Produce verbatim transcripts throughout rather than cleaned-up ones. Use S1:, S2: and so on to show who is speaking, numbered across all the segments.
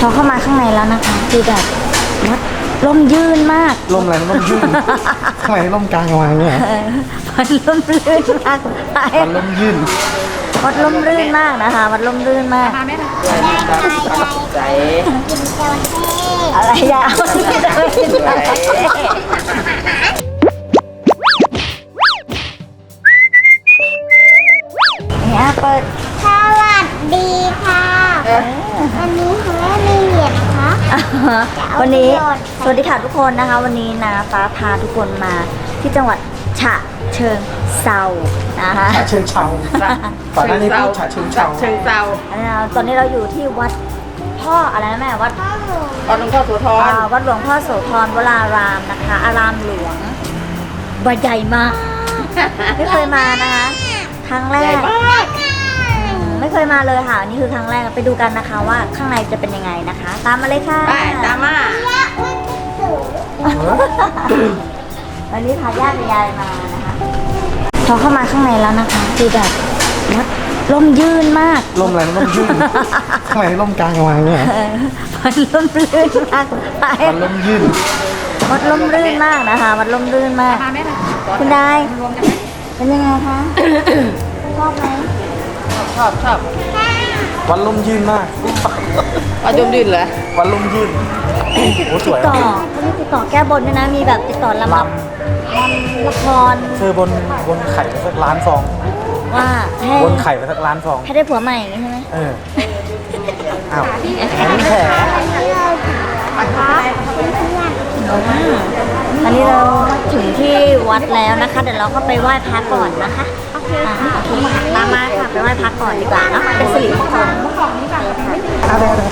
S1: พอเข้ามาข้างในแล้วนะคะคือแบบวัดร่มยื่นมาก
S2: ร่มอะไรร่มยื่นทำไมร่มกลางวางเนี่ย
S1: วัดร่มรื่นมาก
S2: วัดร่มยื่น
S1: วัดร่มรื่นมากนะคะวัดร่มรื่นมาก
S3: ใจ
S1: อะไรยาวเนี่ยเปิด
S3: สวัสดีค่ะวันนี้คุณแม่มีเหรียญคะ
S1: วันนี้สวัสดีค่ะทุกคนนะคะ วันนี้นะฟ้าพาทุกคนมาที่จังหวัดฉะเชิงเซานะคะ
S2: ฉะเชิงเซาก่อนหน้านี้พูดฉะเชิงเซา
S4: เชิงเซา
S1: ตอนนี้เราอยู่ที่วัดพ่ออะไรนะแม่วัด
S4: วัดหลวงพ่อโสธร
S1: วัดหลวงพ่อโสธรวรารามนะคะอารามหลวงวัดใหญ่มากไม่เคยมานะคะครั้งแรกไม่เคยมาเลยค่ะนี่คือครั้งแรกไปดูกันนะคะว่าข้างในจะเป็นยังไงนะคะตามมาเลยค่ะ
S4: ไปตามมา
S1: วันนี้พาญาติยายมานะคะพอเข้ามาข้างในแล้วนะคะคือแบบวัดร่มยื่นมาก
S2: ร่มอะไรร่มยื่นทำไมร่มกลางวางเนี่ย
S1: วัดร่มรื่นมาก
S2: วัดร่มยื่น
S1: วัดร่มรื่นมากนะคะวัดร่มรื่นมากคุณได้เป็นยังไงคะชอบไหม
S4: ชอบชอบ
S2: วัดร่มยื่นมาก
S4: วัดร่มยื่นเหรอ
S2: วัดร่มยื่นโอ้สวย
S1: ติดต่อเขามีติดต่อแก้บนด้วยนะมีแบบติดต่อลำดับละคร
S2: เธอบนบนไข่ไปสักล้านฟอง
S1: ว่าให้
S2: บนไข่ไปสักล้านฟอง
S1: ให้ได้ผัวใหม่อย่างนี้ใช่ไหม
S2: เอออ้าวนี่แผล
S1: อันนี้เราถึงที่วัดแล้วนะคะเดี๋ยวเราก็ไปไหว้พระก่อนนะคะโอเคโอเคตามมาค่ะไปไหว้พระก่อนดีกว่าเนาะเป็นสิริมงคล
S2: อะไรอะไร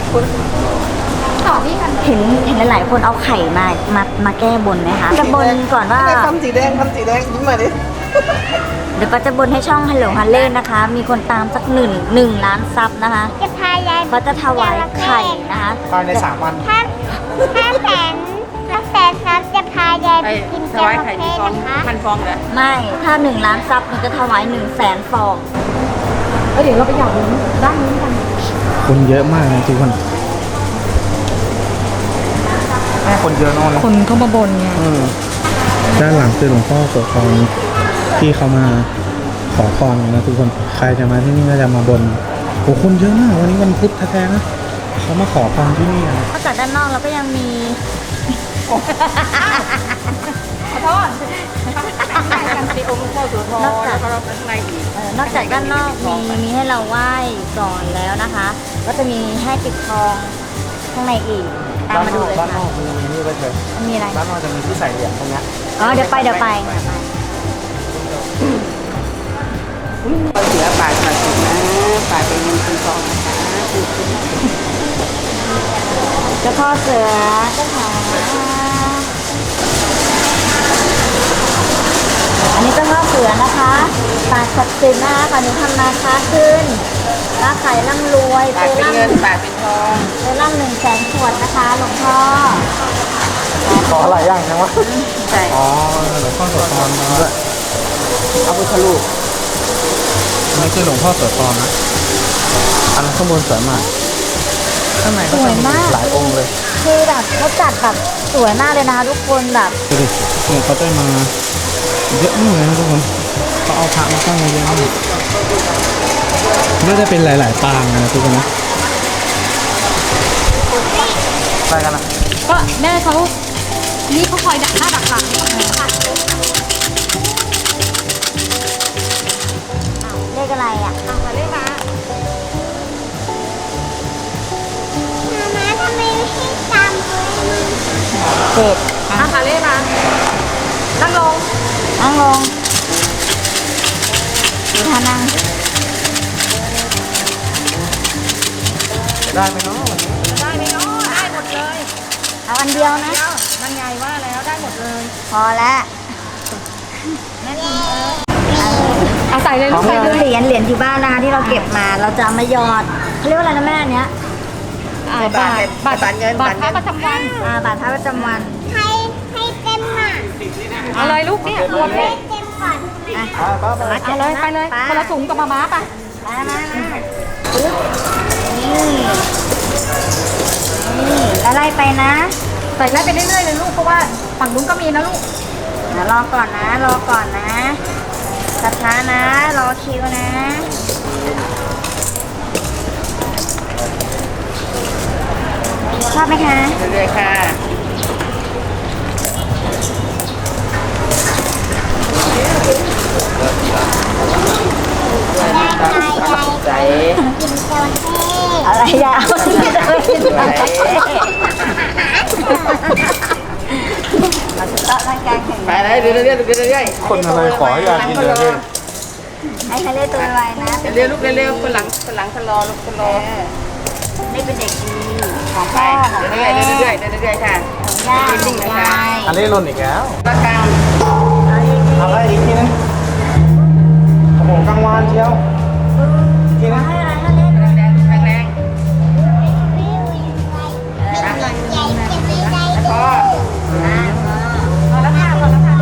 S1: เห็นเห็นหลายๆคนเอาไข่มามามาแก้บนไหมคะจะบนก่อนว่า
S2: ทำสีแดงทำสีแดงยิ้มมาดิ
S1: เดี๋ยวก็จะบนให้ช่องฮัลโหลฮัลเล่นะคะ มีคนตามสักหนึ่งหนึ่งล้านซับนะคะ
S3: จะพายาย
S1: ก็จะถวายไข่นะคะ
S2: ภายในสามวัน
S3: ถ้าถ้าแสนถ้าแสนซับจะพายายไปกินจระเข้นะคะ
S4: พันฟองเหรอ
S1: ไม่ถ้าหนึ่งล้านซับมันจะถวายหนึ่งแสนฟอง
S4: เดี๋ยวเราไปหยอดด้านนี้กัน
S2: คนเยอะมากนะทุกคนแม่คนเยอะนอน
S4: คนเข้ามาบนไง
S2: ด้านหลังคือหลวงพ่อโสธรที่เขามาขอพรนะทุกคนใครจะมาที่นี่ก็จะมาบนโอ้คนเยอะมากวันนี้วันพุธแท้ๆนะเขามาขอพรที่นี่นะ
S1: นอกจากด้านนอกเราก็ยังมี
S4: ขอโทษกันที่องค์หลวงพ่อโสธรแล้วก็เราข้างในอีก
S1: นอกจากด้านนอกมีมีให้เราไหว้ก่อนแล้วนะคะ ก็จะมีให้ปิดทองข้างในอีกตามมาดูเลยค่ะ
S2: ด้านนอกมันมีนี่ไปเถอะ
S1: มีอะไร
S2: ด้านนอกจะมีที่ใส่เหรียญตรงนี้
S1: อ๋อเดี๋ยวไปเดี๋ยวไป
S4: เสือป่าสัตว์นะป่าเป็นเงินเป็นทองนะคะ
S1: เจ้าพ่อเสือเจ้าขาอันนี้เจ้าพ่อเสือนะคะป่าศักดิ์สิทธิ์นะคะก่อนหนูทำนาค้าขึ้นค้าขายร่ำรวย
S4: ป่าเป็นเงินป่าเป็นทอง
S1: เจอร่ำหนึ่งแสนขวดนะคะหลวงพ่อ
S2: ขออะไรอย่างนะวะ
S4: ใช่
S2: อ๋อหลวงพ่อโสธรด้วย
S4: เอาพุทธรูป
S2: นี่คือหลวงพ่อโสธรนะอันข้างบนสวยมากข้างในก็จะมีหลายองค์เลย
S1: คือแบบเขาจัดแบบสวยมากเลยนะคะทุกคนแบบ
S2: ดูดิเนี่ยเขาได้มาเยอะมากเลยนะทุกคนเขาเอาพระมาตั้งเยอะมากก็จะเป็นหลายๆปางนะทุกคนนะไปกันนะ
S4: ก็แม่เขานี่เขาคอยดักหน้าดักหลัง
S1: เลขอะไรอ่ะ
S4: เลขมา
S3: มาทำไมไม่ให้ตามเลย
S1: เจ็ด
S4: อ่ะค่ะเลขมานั่งลง
S1: นั่งลงดูท่านั่ง
S2: ได้ไหมเนาะ
S4: ได้ไหมเนาะได้หมดเลย
S1: เอาอันเดียวนะ
S4: มันใหญ่ว่าแล้วได้หมดเลย
S1: พอแล้ว
S4: นั่นเองเอาใส่เลยลูกใส่เลย
S1: เหรียญเหรียญที่บ้านนะคะที่เราเก็บมาเราจะมาหยอดเขาเรียกว่าอะไรนะแม่เนี้ย
S4: บาทบาทบาทเงินบาทพระประจำวัน
S1: อ่าบาทพระประจำวัน
S3: ให้ให้เต็มอ่ะ
S4: เอาเลยลูกเนี่ยรวมเลย
S3: เต็มก่อน
S4: อ่ะเอาเลยไปเลยคนละถุงกับมาม้าไป
S1: มามามาปึ๊บนี่ไปนะ
S4: ใส่ไล่ไปเรื่อยๆเลยลูกเพราะว่าฝั่งนู้นก็มีนะลูก
S1: เดี๋ยวรอก่อนนะ รอก่อนนะช้าๆนะ รอคิวนะชอบไหมคะ
S4: เรื่อยๆค่ะใส่
S3: กินจระเข้
S1: อะไรยาวที่จะไม่กินอะไรมาสุดละร่างกายแข็ง
S4: ไปเลยเรื่อยๆเรื่อยๆ
S2: คนอะไรขอให้ยายกินเลยพี่
S1: ให้ทะเลตัวไวๆนะ
S4: เร็วๆลูกเร็วๆคนหลังคนหลังคนรอลูกคนรอ
S1: นี่เป็นเด็กดีของ
S4: ไป
S1: พ่อของ
S4: เรื่
S1: แม่
S4: อยๆเรื่อยๆเรื่อยๆค่ะ
S1: ของย่าของยาย
S2: อันนี้หล่นอีกแล้ว
S4: ประกาง
S1: เอาอีกที
S2: อะไรอีกทีนึงโอ้โหกลางวานเชียวอีกทีนึง
S1: ให้อะไรทะเล
S4: แรงๆแรง
S3: ใหญ่จะมีใจ
S4: ๆพอ
S1: พอแล้วค่ะพอแล้วค่ะ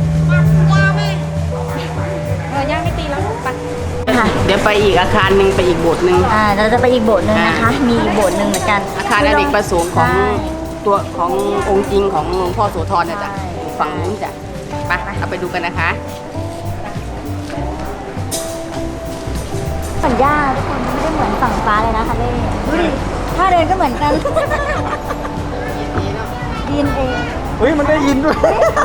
S4: เออย่างไม่ตีแล้วลูกไป
S1: ค่ะ
S4: เดี๋ยวไปอีกอาคารหนึ่งไปอีกโบสถ์หนึ่ง
S1: อ่าเราจะไปอีกโบสถ์หนึ่งนะคะ มีอีกโบสถ์หนึ่งเหมือนกัน
S4: อาคารอเนกประสงค์ของ
S1: ใช่
S4: ตัวขององค์จริงของหลวงพ่อโสธรเนี่ยจ้ะ
S1: ใช่
S4: ฝั่งนู้นจ้ะไปเอาไปดูกันนะคะ
S1: ฝั่งย่าทุกคนไม่ได้เหมือนฝั่งฟ้าเลยนะคะเล่ดูดิถ้าเดินก็เหมือนกันดีเอ็นเอ
S2: เฮ้ยมันได้ยินด้วย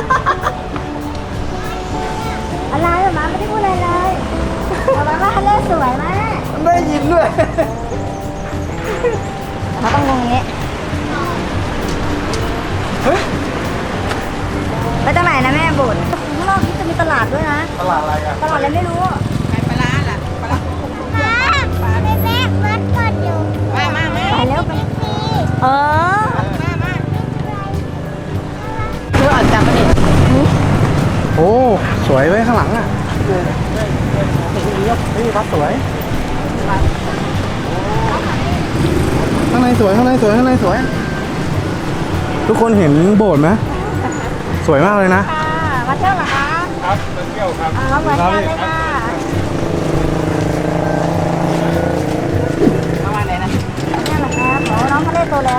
S1: อะไรหรอมาไม่ได้พูดอะไรเลยแต่ว่าว่าทะเลสวยมาก
S2: มันได้ยินด้วย
S1: เขาต้องงงอย่างนี้
S2: เฮ้ย
S1: ไปตรงไหนนะแม่โบสถ์ข้างนอกนี่จะมีตลาดด้วยนะ
S2: ตลาดอะไรอ่ะ
S1: ตลาดอะไรไม่รู้
S4: ไปปลาร้าล่ะปลาร้า
S3: ป้าแม่แม่วัดก่อนอยู่
S4: มามามา
S1: ไปแล้วไปเออ
S4: มามาเพื่ออ่านจำมาดิ
S2: โอ้สวยไว้ยข้างหลังอ่ะเฮ้ยวัดสวยข้างในสวยข้างในสวยข้างในสวย ทุกคนเห็นโบสถ์ไหมสวยมากเลยนะ
S1: ค่ะมาเที่ยวเหรอคะ
S2: ครับมาเที่ยวครับ
S1: อ๋อเหมือนกันเลยค่ะ
S4: มาวันไหนนะ
S1: มาเที่ยวเหรอครับโอ้น้องทะเลโตแล้ว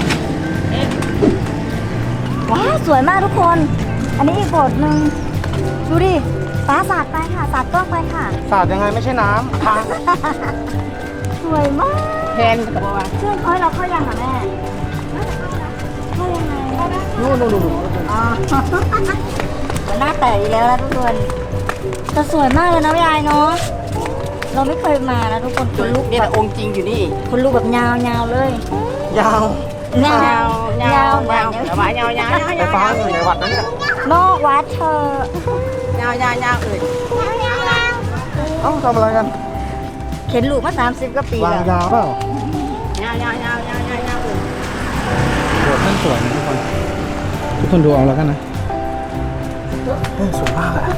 S1: ว้าวสวยมากทุกคน อันนี้อีกโบสถ์หนึ่งดูดิฟ้าสาดไปค่ะสาดกล้องไปค่ะ
S2: สาดยังไงไม่ใช่น้ำทาง
S1: สวยมาก
S4: แทนกับว่า
S1: เชื่อเขาให้เราเข้ายังอ่ะแม่เข้ายังไง
S4: นู่นนู่นนู่น
S1: อ๋อ มันหน้าแตกอีกแล้วนะทุกคนแต่สวยมากเลยนะยายเนาะเราไม่เคยมานะทุกคนคนลุก
S4: นี่
S1: แบ
S4: แต่
S1: บ
S4: องค์จริงอยู่นี่
S1: คนลุกแบบยาวๆเลย
S2: ยาว
S1: ยาวย
S4: าวยาวยาว
S1: เดี๋ยว
S4: เดี๋ยวมายาวยาวยาว
S2: ไฟ
S4: ยาว
S2: ฟ้าอยู่ในวัดนั้นเนี่ย
S1: นอกวัดเธอย
S4: าวยาวยาวอื่น
S2: เอ้าทำอะไรกัน
S1: เข็นลูกมาสามสิบกว่าปี
S2: วาง
S1: แล้ว
S2: ยาวเปล่าย
S4: าวยาวยาวยาวยาวยาวอื่น
S2: โบสถ์นั่นสวยนะทุกคน ทุกคนดูเอาแล้วกันนะเฮ้ยสวยมากอะ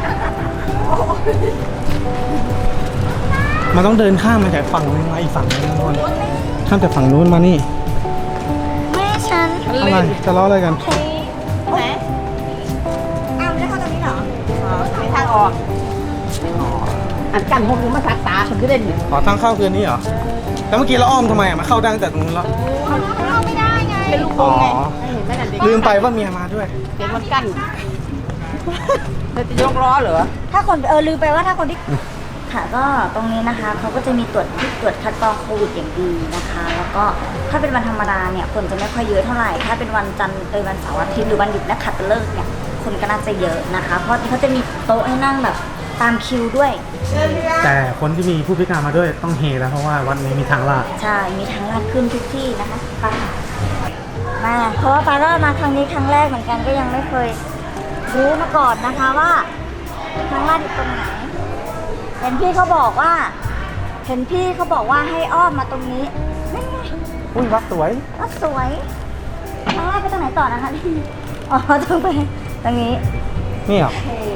S2: มันต้องเดินข้ามมาจากฝั่งนึงมาอีกฝั่งนึงนะทุกคนข้ามจากฝั่งนู้นมานี่
S1: แม่ฉัน
S2: อะไรจะล้ออะไรกัน
S1: เฮ้ยไหนอ้าวไม่ได้เข้าตรงนี้เหรอ
S4: มีทางออกอันกันพวกนี้มาทักตาฉันก็เล่น
S2: ขอทางเข้าคืนนี้เหรอแล้วเมื่อกี้เราอ้อมทำไมอะมาเข้าได้ตั้งแต่ตรงนู้นแล้ว
S3: เข้าไม่ได้ไง
S4: เป็นลูกโป่งไงเห็นไหมนั่นเด็ก
S2: ลืมไปว่าเมียมาด้วย
S4: เด็กมันกั้นเธอจะยกล้อเหรอ
S1: ถ้าคนเออลืมไปว่าถ้าคนที่ค่ะก็ตรงนี้นะคะเขาก็จะมีตรวจที่ตรวจคัดกรองโควิดอย่างดีนะคะ แล้วก็ถ้าเป็นวันธรรมดาเนี่ยคนจะไม่ค่อยเยอะเท่าไหร่ถ้าเป็นวันจันทร์เออวันเสาร์อาทิตย์หรือวันหยุดนักขัตฤกษ์เนี่ยคนก็น่าจะเยอะนะคะ เพราะเขาจะมีโต๊ะให้นั่งแบบตามคิวด้วย
S2: แต่คนที่มีผู้พิการมาด้วยต้องเฮแล้วเพราะว่าวัดนี้มีทางลาด
S1: ใช่มีทางลาดขึ้นทุกที่นะคะไปมาเพราะว่าปาก็มาครั้งนี้ครั้งแรกเหมือนกันก็ยังไม่เคยรู้มาก่อนนะคะว่าทางลาดอยู่ตรงไหนเห็นพี่เขาบอกว่า เห็นพี่เขาบอกว่าให้อ้อมมาตรงนี้นั่นไง
S2: อุ้ยวัดสวย
S1: ก็สวยทางลาดไปตรงไหนต่อนะคะพี่อ๋อต้องไปตรงนี้
S2: นี่เหรอ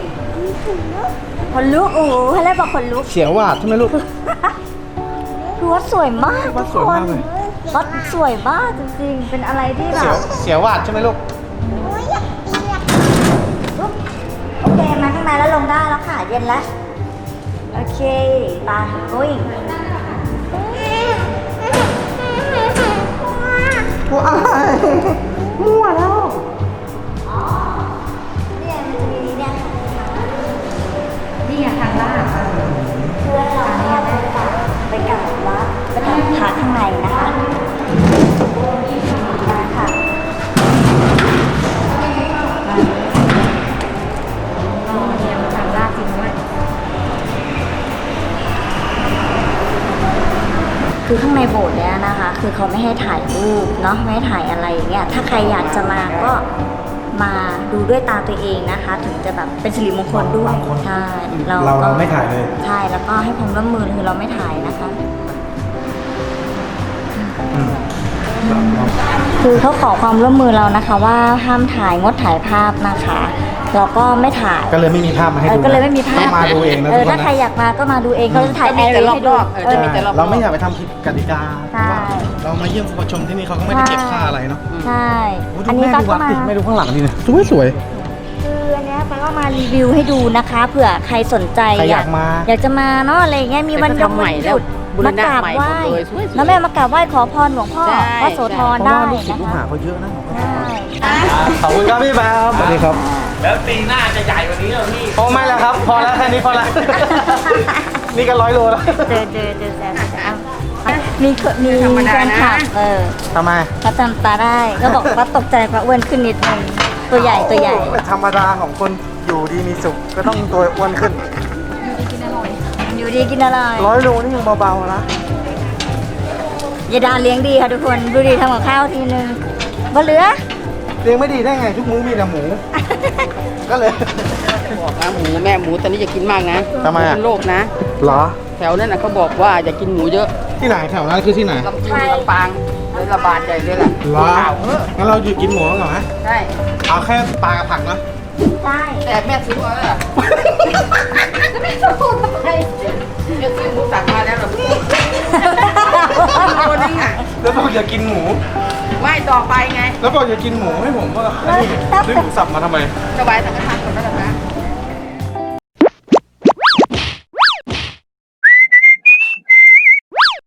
S1: คนลุกโอ้โหให้แรกบอกคนลุก
S2: เสียวหวาดใช่ไหมลูก
S1: คือวัดสวยมาก
S2: วัดสวยมากเลย
S1: วัดสวยมากจริงๆเป็นอะไรที่แบ
S2: เสียว
S1: บ
S2: เสียวหวาดใช่ไหมลูก
S1: ลุกโอเคมาข้างในแล้วลงได้แล้วค่ะ เย็นแล้ว โอเคตา going
S2: ว้าย
S1: โบสถ์เนี้ยนะคะ คือเขาไม่ให้ถ่ายรูปเนาะไม่ให้ถ่ายอะไรอย่างเงี้ยถ้าใครอยากจะมาก็มาดูด้วยตาตัวเองนะคะ ถึงจะแบบเป็นสิริมงคลด้วย
S2: บางคน
S1: ใช่
S2: เรา
S1: ก็
S2: เราไม่ถ่ายเลย
S1: ใช่แล้วก็ให้ความร่วมมือคือเราไม่ถ่ายนะคะ
S2: อืม
S1: คือเขาขอความร่วมมือเรานะคะ ว่าห้ามถ่ายงดถ่ายภาพนะคะเราก็ไม่ถ่าย
S2: ก็เลยไม่มีภาพมาให้
S1: เอ
S2: ดู
S1: อก็เลยไม่มีภาพ
S2: ต้องมาดูเองนะ
S1: เอ
S2: ทุ
S1: อก
S2: คน
S1: ถ้าใคร
S2: นะ
S1: อยากมาก็มาดูเองเขาจะถ่าย
S4: ก็มีแต่
S1: แอร์ให้ดู
S4: รอบๆเออจะมีแต่รอบ
S2: เราไม่อยากไปทำผิดกติกา
S1: ใช่
S2: เรามาเยี่ยมผู้ชมที่นี่เขาก็ไม่ได้เก็บค่าอะไรเนาะ
S1: ใช่
S2: โอ้ดู
S1: อันนี้
S2: แม่
S1: ก็
S2: ดูวัด
S1: มา
S2: ดิแม่ดูข้างหลังนี่นะสวยสวย
S1: คืออันเนี้ยป้าก็มารีวิวให้ดูนะคะเผื่อใครสนใจ
S2: ใครอยากมา
S1: อยากจะมาเนาะอะไรอย่างเงี้ยมีวัน
S4: แต่
S1: ย
S4: ก็
S1: ง
S4: ทำให
S1: วั
S4: ม่
S1: นห
S4: แล้ว
S1: ยุด
S4: บูร
S1: มา
S4: ณะ
S1: กราบ
S4: ใหม่
S1: ไหว้
S4: หมดเลยสวยๆ
S1: แล้วแม่มากราบไหว้ขอพรหลวงพ่อ
S4: ใช่
S1: พระโสธร
S2: เพราะ
S1: ได้
S2: ว่าลูกศิษ
S1: นะ
S2: ย์ลูก
S1: คะ
S2: หาเขาเยอะนะ
S1: ใช่
S2: ขอบคุณครับพี่แบมสวัสดีครับ
S5: แล้วปีหน้าจะใหญ่กว่านี้เหรอพี่
S2: โอ้ไม่แล้วครับ พอแล้วแค่นี้พอแล้ว นี่ก็ร้อยโลแล้ว
S1: เจอเจอเจอแซมแซมมีเคมี
S4: ธรรมดานะ
S1: แฟนคลับเออ
S2: ทำไม
S1: เขาจำตาได้ก็บอกว่าตกใจว่าอ้วนขึ้นนิดนึงตัวใหญ่ตัวใหญ่
S2: ธรรมดาของคนอยู่ดีมีสุขก็ต้องตัวอ้วนขึ้น
S1: อยู่ดีกินอร่อย
S2: ร้อยโลนี่ยังเบาๆนะ
S1: ยายดาเลี้ยงดีค่ะทุกคนดูดีทำกับข้าวทีนึงบ่เหลือ
S2: เลี้ยงไม่ดีได้ไงทุกมื้อมีแต่หมู ก็เลย
S4: บอกนะหมูแม่หมูตอนนี้อย่ากินมากนะ
S2: ทำไมอะ
S4: เป็นโรคนะ
S2: เหรอ
S4: แถวนั้นนะเขาบอกว่าอย่ากินหมูเยอะ
S2: ที่ไหนแถวนั้นคือที่ไหน
S4: ลำพูนลำปางเลยระบาดใหญ่เลยแหละ
S2: เหรอ
S4: ข่าวเออ
S2: งั้นเราหยุดกินหมูก่อนไหม
S4: ใช่
S2: เอาแค่ปลากับผักนะ
S1: ใช่
S4: แต่แม่ซื้อมาแล้วล่ะ
S1: จะพูดทำไม
S4: แม่ซื้อหมูสั่งมาแล้วเหรอตัวนึงอ่ะ
S2: แล้วบอกอย่ากินหมู
S4: ไม่ต่อไปไง
S2: แล้วบอกอย่ากินหมูให้ผมว่าไอ้นี่ซื้อหมูสับมาทำไม
S4: สบายสังฆทานก่อนแล้วกันนะ